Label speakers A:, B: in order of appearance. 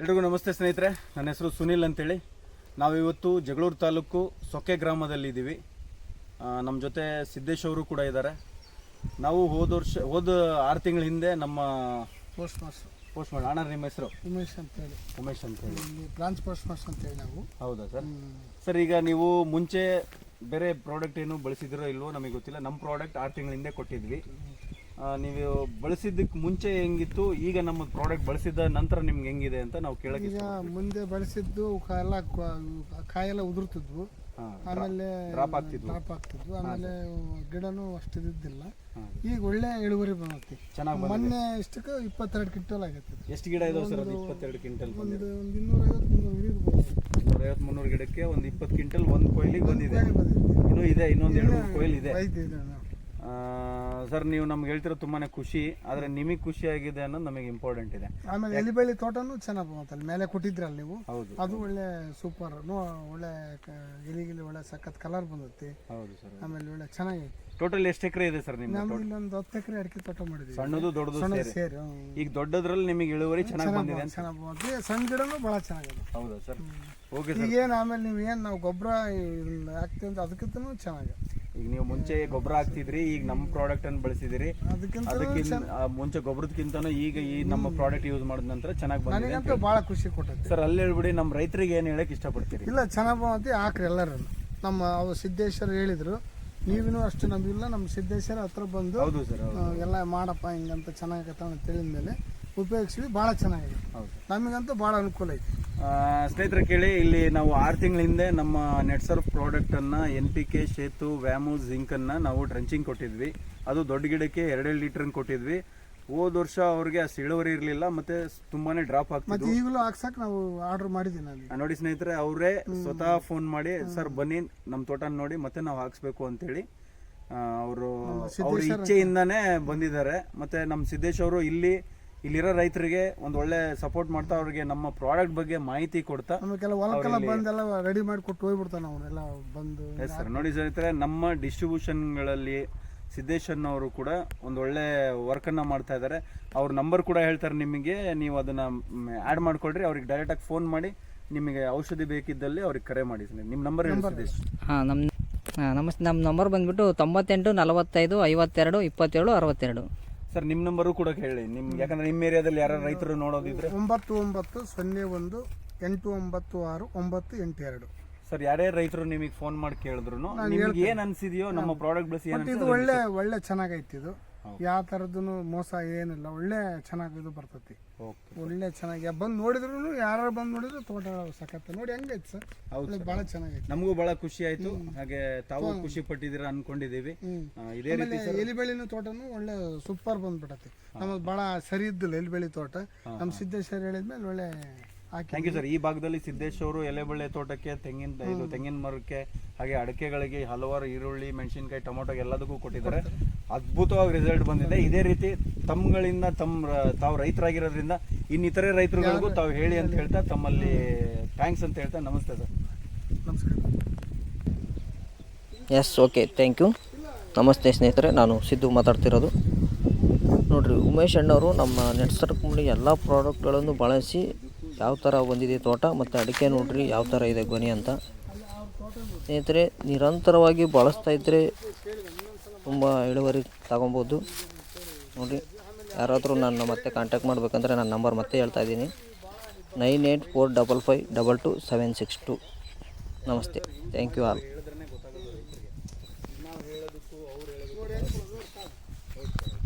A: ಎಲ್ರಿಗೂ ನಮಸ್ತೆ ಸ್ನೇಹಿತರೆ, ನನ್ನ ಹೆಸರು ಸುನಿಲ್ ಅಂತೇಳಿ. ನಾವಿವತ್ತು ಜಗಳೂರು ತಾಲೂಕು ಸೊಕ್ಕೆ ಗ್ರಾಮದಲ್ಲಿದ್ದೀವಿ. ನಮ್ಮ ಜೊತೆ ಸಿದ್ದೇಶ್ ಅವರು ಕೂಡ ಇದ್ದಾರೆ. ನಾವು ಹೋದ 6 ತಿಂಗಳ ಹಿಂದೆ ನಮ್ಮ
B: ಪೋಸ್ಟ್ ಮಾಸ್ಟರ್
A: ಅಣ್ಣ, ನಿಮ್ಮ ಹೆಸರು
B: ಉಮೇಶ್ ಅಂತೇಳಿ ಇಲ್ಲಿ ಬ್ರಾಂಚ್ ಪೋಸ್ಟ್ ಮಾಸ್ಟರ್ ಅಂತೇಳಿ ನಾವು.
A: ಹೌದಾ ಸರ್? ಸರ್, ಈಗ ನೀವು ಮುಂಚೆ ಬೇರೆ ಪ್ರಾಡಕ್ಟ್ ಏನು ಬಳಸಿದಿರೋ ಇಲ್ವೋ ನಮಗೆ ಗೊತ್ತಿಲ್ಲ. ನಮ್ಮ ಪ್ರಾಡಕ್ಟ್ 6 ತಿಂಗಳ ಹಿಂದೆ ಕೊಟ್ಟಿದ್ವಿ. ನೀವು ಬಳಸಿದ್ದಕ್ಕೆ ಮುಂಚೆ ಹೆಂಗಿತ್ತು, ಈಗ ನಮ್ಮ ಪ್ರಾಡಕ್ಟ್ ಬಳಸಿದ ನಂತರ ನಿಮ್ಗೆ ಹೆಂಗಿದೆ ಅಂತ ನಾವು ಕೇಳಕ್ಕೆ.
B: ಈಗ ಮುಂದೆ ಬಳಸಿದ್ದು ಕಾಯೆಲ್ಲ ಉದುರ್ತಿದ್ವು, ಆಮೇಲೆ
A: ಡ್ರಾಪ್
B: ಆಗ್ತಿದ್ವು, ಆಮೇಲೆ ಗಿಡನೂ ಅಷ್ಟು ಇದ್ದಿದ್ದಿಲ್ಲ. ಈಗ ಒಳ್ಳೆ ಇಳುವರಿ ಬಂದೈತಿ.
A: ಚೆನ್ನಾಗಿ
B: ಮೊನ್ನೆ ಇಷ್ಟಕ್ಕೆ 22 ಕ್ವಿಂಟಲ್ ಆಗೈತಿ.
A: ಎಷ್ಟು ಗಿಡ ಇದಾವೆ ಸರ್? ಅದು 22 ಕ್ವಿಂಟಲ್
B: ಒಂದು 250-300
A: ಗಿಡಕ್ಕೆ ಒಂದು 20 ಕ್ವಿಂಟಲ್ ಒಂದು ಕೊಯ್ಲಿಗೆ ಬಂದಿದೆ. ಇನ್ನೂ ಇದೆ, ಇನ್ನೊಂದು 2-3 ಕೊಯ್ಲು ಇದೆ. ಸರ್, ನೀವು ನಮ್ಗೆ ಹೇಳ್ತಿರೋ ತುಂಬಾನೇ ಖುಷಿ. ಆದ್ರೆ ನಿಮಗೆ ಖುಷಿ ಆಗಿದೆ ಅನ್ನೋದು ನಮಗೆ ಇಂಪಾರ್ಟೆಂಟ್ ಇದೆ.
B: ಆಮೇಲೆ ಎಲಿಬಳ್ಳಿ ತೋಟನೂ ಚೆನ್ನಾಗಿ ಬಂತಲ್ಲಿ ಮೇಲೆ ಕೊಟ್ಟಿದ್ರಲ್ಲ ನೀವು.
A: ಹೌದು,
B: ಅದು ಒಳ್ಳೆ ಸೂಪರ್, ಒಳ್ಳೆ ಎಲಿಗಿಲಿ ಒಳ್ಳೆ ಸಖತ್ ಕಲರ್ ಬಂದೈತಿ.
A: ಹೌದು ಸರ್.
B: ಆಮೇಲೆ ಒಳ್ಳೆ ಚೆನ್ನಾಗೈತಿ.
A: ಟೋಟಲ್ ಎಷ್ಟು ಎಕರೆ ಇದೆ ಸರ್ ನಿಮ್ಮ?
B: ನಮ್ಗೆ ಇಲ್ಲೊಂದು 10 ಎಕರೆ ಅಡಿಕೆ ತೋಟ ಮಾಡಿದ್ವಿ.
A: ಸಣ್ಣದು ದೊಡ್ಡದು ಸೇರಿ. ಈಗ ದೊಡ್ಡದ್ರಲ್ಲಿ ನಿಮಗೆ ಇಳುವರಿ ಚೆನ್ನಾಗಿ ಬಂದಿದೆ.
B: ಚೆನ್ನಾಗಿ ಬಂದಿದೆ. ಸಣ್ಣ ಗಿಡನೂ ಬಹಳ ಚೆನ್ನಾಗಿದೆ.
A: ಹೌದಾ ಸರ್? ಓಕೆ.
B: ಈಗೇನು ಆಮೇಲೆ ನೀವು ಏನು ನಾವು ಗೊಬ್ಬರ ಹಾಕ್ತೀವಿ ಅಂತ ಅದಕ್ಕಿಂತ ಚೆನ್ನಾಗಿದೆ.
A: ಈಗ ನೀವು ಮುಂಚೆ ಗೊಬ್ಬರ ಹಾಕ್ತಿದ್ರಿ, ಈಗ ನಮ್ಮ ಪ್ರಾಡಕ್ಟ್ ಅನ್ನು ಬಳಸಿದಿರಿ. ಅದಕ್ಕಿಂತ ಮುಂಚೆ ಗೊಬ್ಬರದಕ್ಕಿಂತನೂ ಈಗ ಈ ನಮ್ಮ ಪ್ರಾಡಕ್ಟ್ ಯೂಸ್ ಮಾಡಿದ ನಂತರ ಚೆನ್ನಾಗಿ ಬಂದಿದೆ
B: ಅಂತ ಬಹಳ ಖುಷಿ ಕೊಟ್ಟೈತೆ
A: ಸರ್. ಅಲ್ಲಿ ಹೇಳ್ಬಿಡಿ, ನಮ್ಮ ರೈತರಿಗೆ ಏನು ಹೇಳಕ್ ಇಷ್ಟಪಡ್ತೀರಿ?
B: ಇಲ್ಲ, ಚೆನ್ನಾಗಿ ಬಂದೈತಿ, ಹಾಕ್ರಿ ಎಲ್ಲರೂ. ನಮ್ಮ ಅವ್ರು ಸಿದ್ದೇಶ್ವರ ಹೇಳಿದ್ರು, ನೀವಿನೂ ಅಷ್ಟು ನಂಬಿಲ್ಲ. ನಮ್ಮ ಸಿದ್ದೇಶ್ವರ ಹತ್ರ ಬಂದು
A: ಹೌದು ಸರ್,
B: ಎಲ್ಲ ಮಾಡಪ್ಪ ಹಿಂಗಂತ ಚೆನ್ನಾಗತ್ತ ಅಂತ ಹೇಳಿದ ಮೇಲೆ ಉಪಯೋಗಿಸಿದ್ವಿ. ಭಾಳ ಚೆನ್ನಾಗಿದೆ. ನಮಗಂತೂ ಭಾಳ ಅನುಕೂಲ ಐತಿ.
A: ಸ್ನೇಹಿತರೆ ಕೇಳಿ, ಇಲ್ಲಿ ನಾವು 6 ತಿಂಗಳ ಹಿಂದೆ ನಮ್ಮ ನೆಟ್ಸರ್ಫ್ ಪ್ರಾಡಕ್ಟ್ ಅನ್ನ NPK, ಶೇತು, ವ್ಯಾಮು, ಜಿಂಕ್ ಅನ್ನ ನಾವು ಡ್ರೆಂಚಿಂಗ್ ಕೊಟ್ಟಿದ್ವಿ. ಅದು ದೊಡ್ಡ ಗಿಡಕ್ಕೆ 2 ಲೀಟರ್ ಕೊಟ್ಟಿದ್ವಿ. ಹೋದ ವರ್ಷ ಅವ್ರಿಗೆ ಅಷ್ಟು ಇಳುವರಿ ಇರಲಿಲ್ಲ, ಮತ್ತೆ ತುಂಬಾನೇ ಡ್ರಾಪ್ ಆಗ್ತಿತ್ತು.
B: ಈಗಲೂ ಹಾಕ್ಸಕ್ ನಾವು ಆರ್ಡರ್ ಮಾಡಿದ್ದೀನಿ.
A: ನೋಡಿ ಸ್ನೇಹಿತರೆ, ಅವರೇ ಸ್ವತಃ ಫೋನ್ ಮಾಡಿ, ಸರ್ ಬನ್ನಿ ನಮ್ಮ ತೋಟ ನೋಡಿ ಮತ್ತೆ ನಾವು ಹಾಕ್ಸ್ಬೇಕು ಅಂತೇಳಿ ಅವರು ಅವ್ರ ಇಚ್ಛೆಯಿಂದಾನೇ ಬಂದಿದ್ದಾರೆ. ಮತ್ತೆ ನಮ್ಮ ಸಿದ್ದೇಶ್ ಅವರು ಇಲ್ಲಿರೋ ರೈತರಿಗೆ ಒಂದು ಒಳ್ಳೆ ಸಪೋರ್ಟ್ ಮಾಡ್ತಾ, ಅವ್ರಿಗೆ ನಮ್ಮ ಪ್ರಾಡಕ್ಟ್ ಬಗ್ಗೆ ಮಾಹಿತಿ ಕೊಡ್ತಾ,
B: ಬಂದೆಲ್ಲ ರೆಡಿ ಮಾಡಿ ಕೊಟ್ಟು ಹೋಗ್ಬಿಡ್ತಾನೆ ಅವರೆಲ್ಲ ಬಂದು.
A: ಸರ್ ನೋಡಿ ಸ್ನೇಹಿತರೆ, ನಮ್ಮ ಡಿಸ್ಟ್ರಿಬ್ಯೂಷನ್ಗಳಲ್ಲಿ ಸಿದ್ದೇಶ್ ಅವರು ಕೂಡ ಒಂದು ಒಳ್ಳೆ ವರ್ಕನ್ನು ಮಾಡ್ತಾ ಇದ್ದಾರೆ. ಅವ್ರ ನಂಬರ್ ಕೂಡ ಹೇಳ್ತಾರೆ ನಿಮಗೆ, ನೀವು ಅದನ್ನು ಆ್ಯಡ್ ಮಾಡ್ಕೊಳ್ರಿ. ಅವ್ರಿಗೆ ಡೈರೆಕ್ಟಾಗಿ ಫೋನ್ ಮಾಡಿ ನಿಮಗೆ ಔಷಧಿ ಬೇಕಿದ್ದಲ್ಲಿ ಅವ್ರಿಗೆ ಕರೆ ಮಾಡಿ. ನಿಮ್ಮ ನಂಬರ್ ಹೇಳಿ ಸಿದ್ದೇಶ್.
C: ನಮಸ್ತೆ. ನಮ್ಮ ನಂಬರ್ ಬಂದುಬಿಟ್ಟು 98 45 52 27 62.
A: ಸರ್, ನಿಮ್ಮ ನಂಬರು ಕೂಡ ಹೇಳಿ, ನಿಮ್ಗೆ, ಯಾಕಂದ್ರೆ ನಿಮ್ಮ ಏರಿಯಾದಲ್ಲಿ ಯಾರು ರೈತರು ನೋಡೋದಿದ್ರೆ.
B: 9901 896 982.
A: ಸರ್, ಯಾರೇ ರೈತರು ನಿಮಗೆ ಫೋನ್ ಮಾಡಿ ಕೇಳಿದ್ರು ನಿಮ್ಗೆ ಏನ್ ಅನ್ಸಿದೆಯೋ ನಮ್ಮ ಪ್ರಾಡಕ್ಟ್ ಬಳಸಿ
B: ಇದು ಒಳ್ಳೆ ಚೆನ್ನಾಗೈತಿ. ಇದು ಯಾವ ತರದ್ದು ಮೋಸ ಏನಿಲ್ಲ, ಒಳ್ಳೆ ಚೆನ್ನಾಗಿ ಇದು ಬರ್ತೈತಿ. ಒಳ್ಳೆ ಚೆನ್ನಾಗಿ ಬಂದು ನೋಡಿದ್ರು, ಯಾರು ಬಂದು ನೋಡಿದ್ರು ತೋಟ ಸಖತ್ ನೋಡಿ ಹೆಂಗೈತಿ ಸರ್. ಬಹಳ ಚೆನ್ನಾಗೈತಿ.
A: ನಮಗೂ ಬಹಳ ಖುಷಿ ಆಯ್ತು. ಹಾಗೆ ತಾವು ಖುಷಿ ಪಟ್ಟಿದ್ದೀರಾ ಅನ್ಕೊಂಡಿದೀವಿ. ಇದೇ ರೀತಿ
B: ಎಲಿಬೆಳಿನ ತೋಟನು ಒಳ್ಳೆ ಸೂಪರ್ ಬಂದ್ಬಿಟ್ಟತಿ. ನಮ್ಗೆ ಬಹಳ ಸರಿ ಇದ್ದಿಲ್ಲ ಎಲಿಬೆಳಿ ತೋಟ. ನಮ್ಮ ಸಿದ್ದೇಶ್ವರ ಹೇಳಿದ್ಮೇಲೆ ಒಳ್ಳೆ.
A: Thank you sir. ಈ ಭಾಗದಲ್ಲಿ ಸಿದ್ದೇಶ್ ಅವರು ಎಲೆಬಳ್ಳೆ ತೋಟಕ್ಕೆ, ತೆಂಗಿನ ಮರಕ್ಕೆ, ಹಾಗೆ ಅಡಕೆಗಳಿಗೆ ಹಲವಾರು ಈರುಳ್ಳಿ, ಮೆಣಸಿನಕಾಯಿ, ಟೊಮೊಟೊ ಎಲ್ಲದಕ್ಕೂ ಕೊಟ್ಟಿದ್ದಾರೆ. ಅದ್ಭುತವಾಗಿ ರಿಸಲ್ಟ್ ಬಂದಿದೆ. ಇದೇ ರೀತಿ ತಮ್ಮಗಳಿಂದ ತಾವು ರೈತರಾಗಿರೋದ್ರಿಂದ ಇನ್ನಿತರೆ ರೈತರುಗಳಿಗೂ ತಾವು ಹೇಳಿ ಅಂತ ಹೇಳ್ತಾ, ತಮ್ಮಲ್ಲಿ ಥ್ಯಾಂಕ್ಸ್ ಅಂತ ಹೇಳ್ತಾ ನಮಸ್ತೆ ಸರ್.
B: ನಮಸ್ಕಾರ.
C: Yes, okay, thank you. ನಮಸ್ತೆ ಸ್ನೇಹಿತರೆ, ನಾನು ಸಿದ್ದು ಮಾತಾಡ್ತಿರೋದು. ನೋಡಿರಿ, ಉಮೇಶ್ ಅಣ್ಣವರು ನಮ್ಮ ನೆಟ್ಸರ್ಫ್ ಕಂಪ್ನಿ ಎಲ್ಲ ಪ್ರಾಡಕ್ಟ್ಗಳನ್ನು ಬಳಸಿ ಯಾವ ಥರ ಬಂದಿದೆ ತೋಟ ಮತ್ತು ಅಡಿಕೆ ನೋಡಿರಿ ಯಾವ ಥರ ಇದೆ ಗೊನೆ ಅಂತ. ಸ್ನೇಹಿತರೆ, ನಿರಂತರವಾಗಿ ಬಳಸ್ತಾ ಇದ್ದರೆ ತುಂಬ ಇಳುವರಿ ತಗೊಬೋದು. ನೋಡಿರಿ, ಯಾರಾದರೂ ನನ್ನ ಮತ್ತೆ ಕಾಂಟ್ಯಾಕ್ಟ್ ಮಾಡಬೇಕಂದ್ರೆ ನನ್ನ ನಂಬರ್ ಮತ್ತೆ ಹೇಳ್ತಾ ಇದ್ದೀನಿ, 9845522762. ನಮಸ್ತೆ, ಥ್ಯಾಂಕ್ ಯು ಆಲ್.